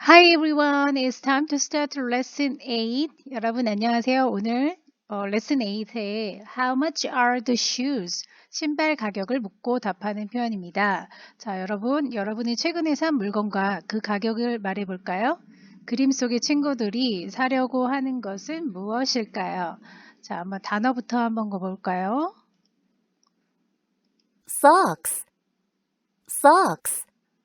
Hi everyone, it's time to start lesson 8. 여러분 안녕하세요. 오늘 lesson 8에 How much are the shoes? 신발 가격을 묻고 답하는 표현입니다. 자, 여러분이 최근에 산 물건과 그 가격을 말해 볼까요? 그림 속의 친구들이 사려고 하는 것은 무엇일까요? 자, 한번 단어부터 한번 볼까요? Socks, socks.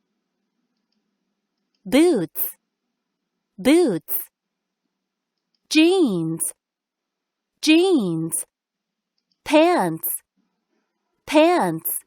Boots, boots. Jeans, jeans. Pants, pants.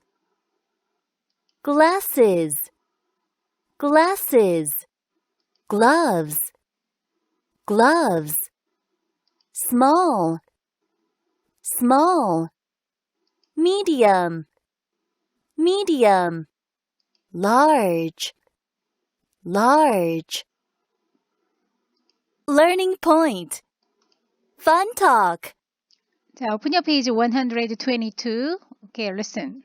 Glasses, glasses. Gloves, gloves. Small, small. Medium, medium. Large, large. Learning point. Fun talk. 자, open your page 122. Okay, listen.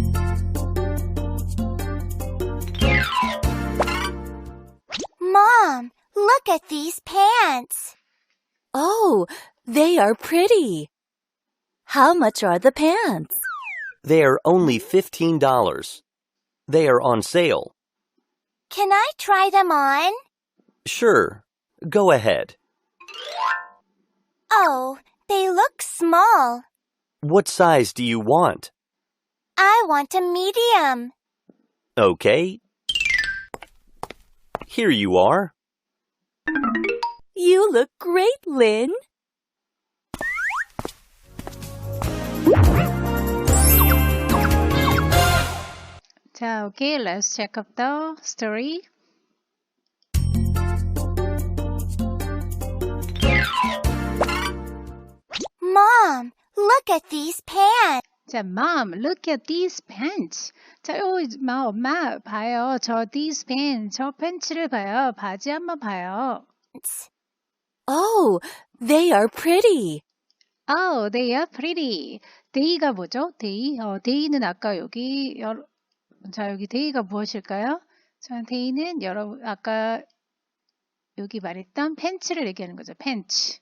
Mom, look at these pants. Oh, they are pretty. How much are the pants? They are only $15. They are on sale. Can I try them on? Sure, go ahead. Oh, they look small. What size do you want? I want a medium. Okay. Here you are. You look great, Lynn. 자, okay, let's check up the story. Mom, look at these pants. 자, Mom, look at these pants. 자, 엄마, 봐요. these pants, 저 팬츠를 봐요. 바지 한번 봐요. Oh, they are pretty. Oh, they are pretty. They가 뭐죠? they는 아까 여기, 여기 they가 무엇일까요? 자, they는 여러분, 아까 여기 말했던 팬츠를 얘기하는 거죠. 팬츠.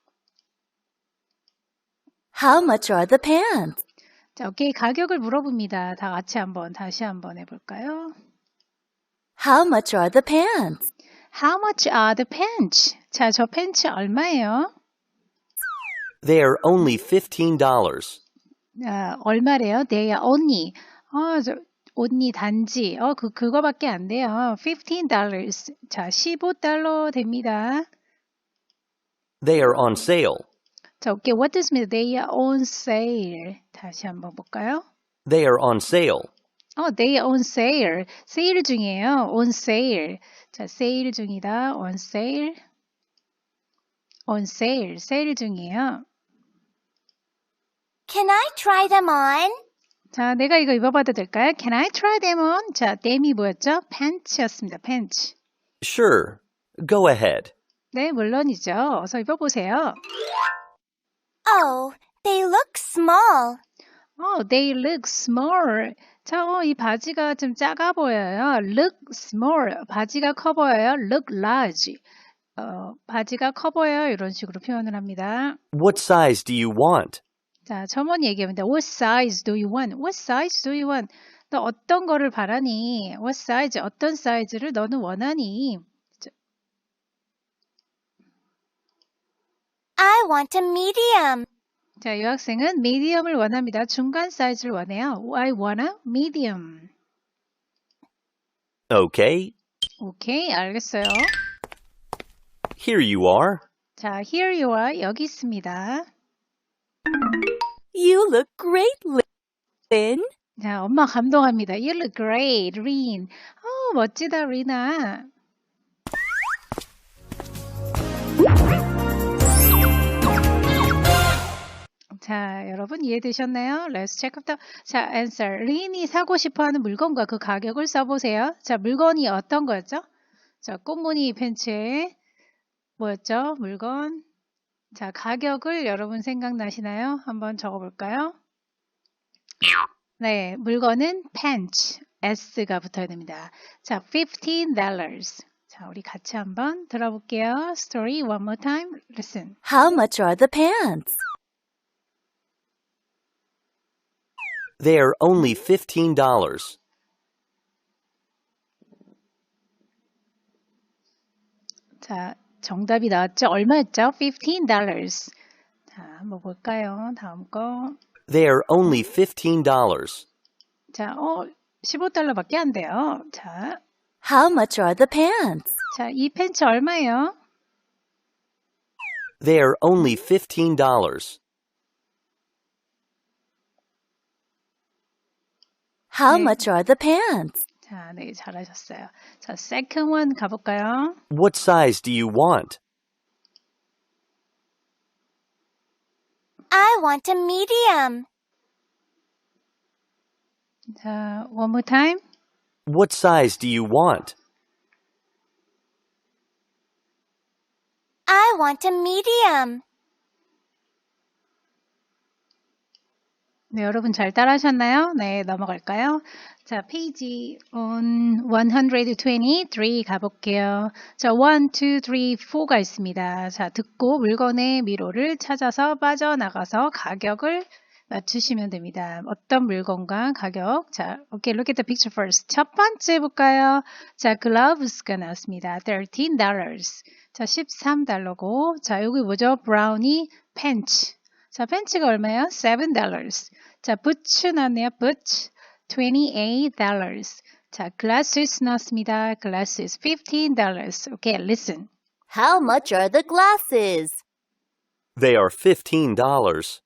How much are the pants? 자, 오케이. 가격을 물어봅니다. 다 같이 다시 한번 해볼까요? How much are the pants? How much are the pants? 자, 저 팬츠 얼마예요? They are only $15. 얼마래요? They are only. only 단지. 그거밖에 안 돼요. $15. 자, $15 됩니다. They are on sale. 자, 오케이. What does mean? They are on sale. 다시 한번 볼까요? They are on sale. they are on sale. 세일 중이에요. on sale. 자, 세일 중이다. on sale. on sale. 세일 중이에요. Can I try them on? 자, 내가 이거 입어봐도 될까요? Can I try them on? 자, them이 뭐였죠? 팬츠였습니다. 팬츠. Sure, go ahead. 네, 물론이죠. 어서 입어보세요. Oh, they look small. They look small. 자, 이 바지가 좀 작아 보여요. Look small. 바지가 커 보여요. Look large. 바지가 커 보여요. 이런 식으로 표현을 합니다. What size do you want? 자, 첨언이 얘기합니다. What size do you want? What size do you want? 너 어떤 거를 바라니? What size? 어떤 사이즈를 너는 원하니? I want a medium. 자, 여학생은 medium을 원합니다. 중간 사이즈를 원해요. I want a medium. Okay, 오케이, 알겠어요. here you are. 자, here you are. 여기 있습니다. You look great, Lynn. 자, 엄마 감동합니다. You look great, Rin. 멋지다, 리나. 자, 여러분 이해되셨나요? Let's check up the... 자, answer. 린이 사고 싶어하는 물건과 그 가격을 써보세요. 자, 물건이 어떤 거였죠? 자, 꽃무늬 팬츠에 뭐였죠? 물건. 자, 가격을 여러분 생각나시나요? 한번 적어볼까요? 네, 물건은 pants, S가 붙어야 됩니다. 자, $15. 자, 우리 같이 한번 들어볼게요. Story one more time. Listen. How much are the pants? They are only $15. 자, 정답이 나왔죠? 얼마였죠? $15. 자, 한번 볼까요? 다음 거. They are only $15. 자, $15밖에 안 돼요. 자, How much are the pants? 자, 이 팬츠 얼마예요? They are only $15. How 네. much are the pants? 자, 네, 잘하셨어요. 자, second one 가볼까요? What size do you want? I want a medium. 자, one more time. What size do you want? I want a medium. 네, 여러분 잘 따라하셨나요? 네, 넘어갈까요? 자, 페이지 123 가볼게요. 자, 1, 2, 3, 4가 있습니다. 자, 듣고 물건의 미로를 찾아서 빠져나가서 가격을 맞추시면 됩니다. 어떤 물건과 가격. 자, okay, look at the picture first. 첫 번째 볼까요? 자, gloves가 나왔습니다. $13. 자, $13고. 자, 여기 뭐죠? 브라우니 팬츠. 자, 팬츠가 얼마예요? $7. 자, 부츠 나왔네요. 부츠. $28. 자, glasses 나왔습니다. glasses $15. Okay, listen. How much are the glasses? They are $15.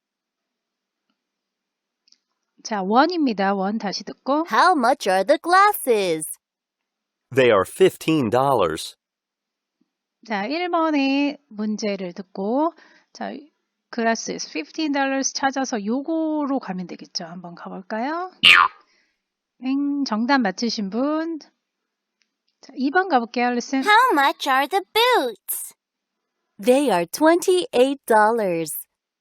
자, 원입니다. 원 다시 듣고. How much are the glasses? They are $15. 자, 1번의 문제를 듣고 자, glasses $15 찾아서 요거로 가면 되겠죠. 한번 가볼까요? 정답 맞추신 분. 자, 2번 가볼게요. Listen. How much are the boots? They are $28.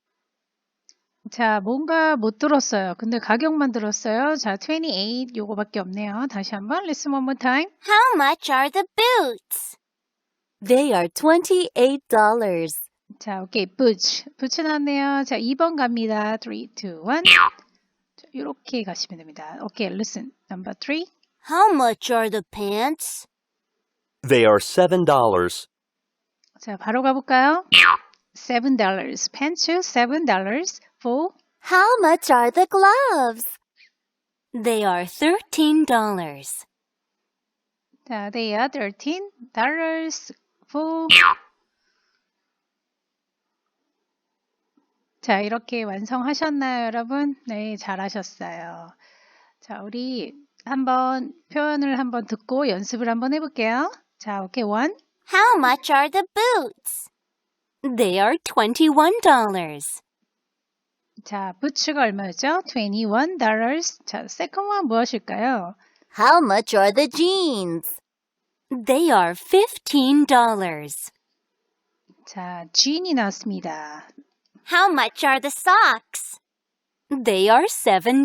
자, 뭔가 못 들었어요. 근데 가격만 들었어요. 자, 28 요거밖에 없네요. 다시 한번 listen one more time. How much are the boots? They are $28. 자, 오케이. boots. boots 나왔네요. 자, 2번 갑니다. 3, 2, 1. 자, 이렇게 가시면 됩니다. 오케이, listen. number 3. How much are the pants? They are $7. 자, 바로 가볼까요? $7. 팬츠 $7 for How much are the gloves? They are $13. 자, they are $13 for 자, 이렇게 완성하셨나요, 여러분? 네, 잘하셨어요. 자, 우리 한번 표현을 한번 듣고 연습을 한번 해볼게요. 자, 오케이, one. How much are the boots? They are $21. 자, 부츠가 얼마였죠? $21. 자, second one 무엇일까요? How much are the jeans? They are $15. 자, jean이 나왔습니다. How much are the socks? They are $7.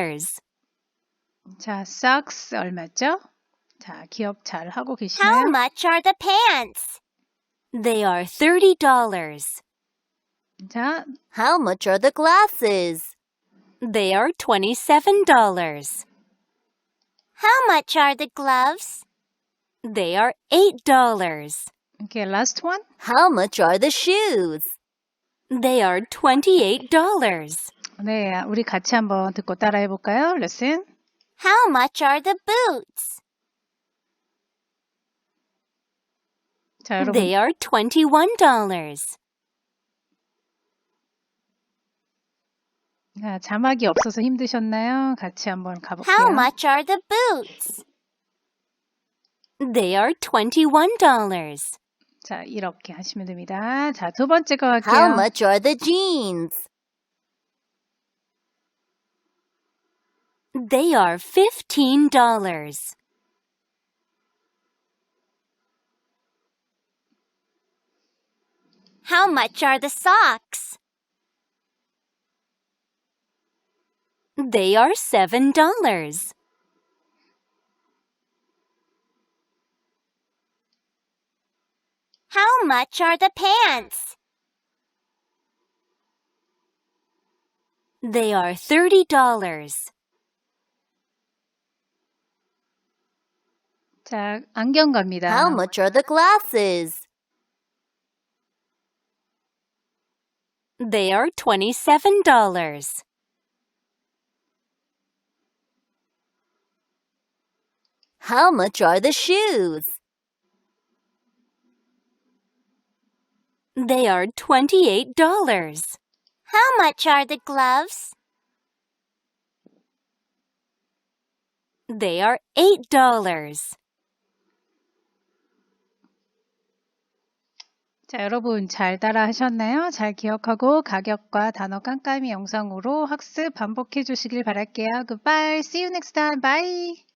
자, socks 얼마죠? 자, 기억 잘 하고 How 계시나요? much are the pants? They are $30. 자, How much are the glasses? They are $27. How much are the gloves? They are $8. okay, last one. How much are the shoes? They are $28. 네, 우리 같이 한번 듣고 따라해 볼까요? Listen. How much are the boots? 자, 여러분. They are $21. 자, 자막이 없어서 힘드셨나요? 같이 한번 가볼게요. How much are the boots? They are $21. 자, 이렇게 하시면 됩니다. 자, 두 번째 거 How 할게요. much are the jeans? They are $15. How much are the socks? They are $7. How much are the pants? They are $30. 자, 안경 갑니다. How much are the glasses? They are $27. How much are the shoes? They are $28. How much are the gloves? They are $8. 자, 여러분 잘 따라 하셨나요? 잘 기억하고 가격과 단어 깜깜이 영상으로 학습 반복해 주시길 바랄게요. Goodbye. See you next time. Bye.